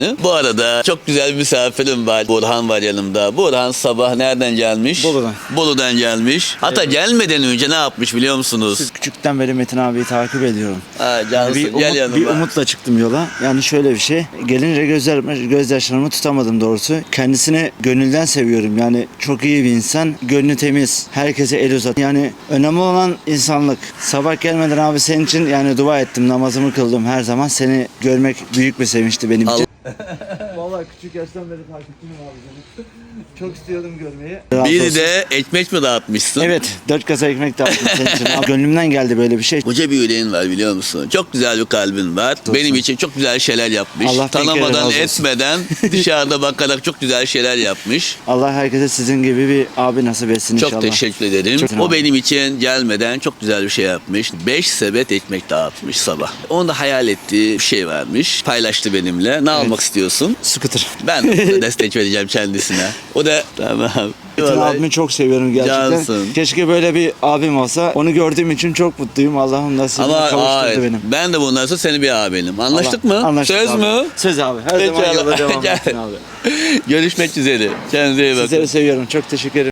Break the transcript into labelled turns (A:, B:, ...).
A: Bu arada çok güzel bir misafirim var. Burhan var yanımda. Burhan sabah nereden gelmiş?
B: Bolu'dan.
A: Bolu'dan gelmiş. Hatta gelmeden önce ne yapmış biliyor musunuz?
B: Siz küçükten beri Metin abiyi takip ediyorum.
A: Ha, cansın, gel yanıma.
B: Bir umutla çıktım yola. Yani şöyle bir şey. Gelince gözyaşlarımı tutamadım doğrusu. Kendisini gönülden seviyorum. Yani çok iyi bir insan. Gönlü temiz. Herkese el uzat. Yani önemli olan insanlık. Sabah gelmeden abi senin için yani dua ettim. Namazımı kıldım her zaman. Seni görmek büyük bir sevinçti benim için. Vallahi küçük yaştan beri takipçiyim abi seni. Çok istiyordum görmeyi.
A: Bir de ekmek mi dağıtmışsın?
B: Evet, 4 kasa ekmek dağıttım senin için. Abi, gönlümden geldi böyle bir şey.
A: Koca bir yüreğin var biliyor musun? Çok güzel bir kalbin var.
B: Olsun.
A: Benim için çok güzel şeyler yapmış.
B: Allah bin kere razı
A: Tanımadan
B: olsun.
A: etmeden dışarıda bakarak çok güzel şeyler yapmış.
B: Allah herkese sizin gibi bir abi nasip etsin inşallah.
A: Çok teşekkür ederim.
B: Çok
A: O benim için gelmeden çok güzel bir şey yapmış. 5 sepet ekmek dağıtmış sabah. Onun da hayal ettiği bir şey varmış. Paylaştı benimle. Ne almak istiyorsun?
B: Scooter.
A: Ben de destek vereceğim kendisine. O da tamam.
B: Metin abimi çok seviyorum gerçekten.
A: Cansın.
B: Keşke böyle bir abim olsa. Onu gördüğüm için çok mutluyum. Allah'ım nasibini
A: Ama
B: kavuşturdu benim.
A: ben de bundan sonra seni bir abinim. Anlaştık
B: Allah-
A: mı?
B: Anlaştık
A: Söz
B: abi.
A: mü?
B: Söz abi. Her zaman
A: Pekala.
B: yola devam
A: Gel.
B: Metin abi.
A: Görüşmek üzere. Kendinize iyi bakın.
B: Sizleri seviyorum. Çok teşekkür ederim.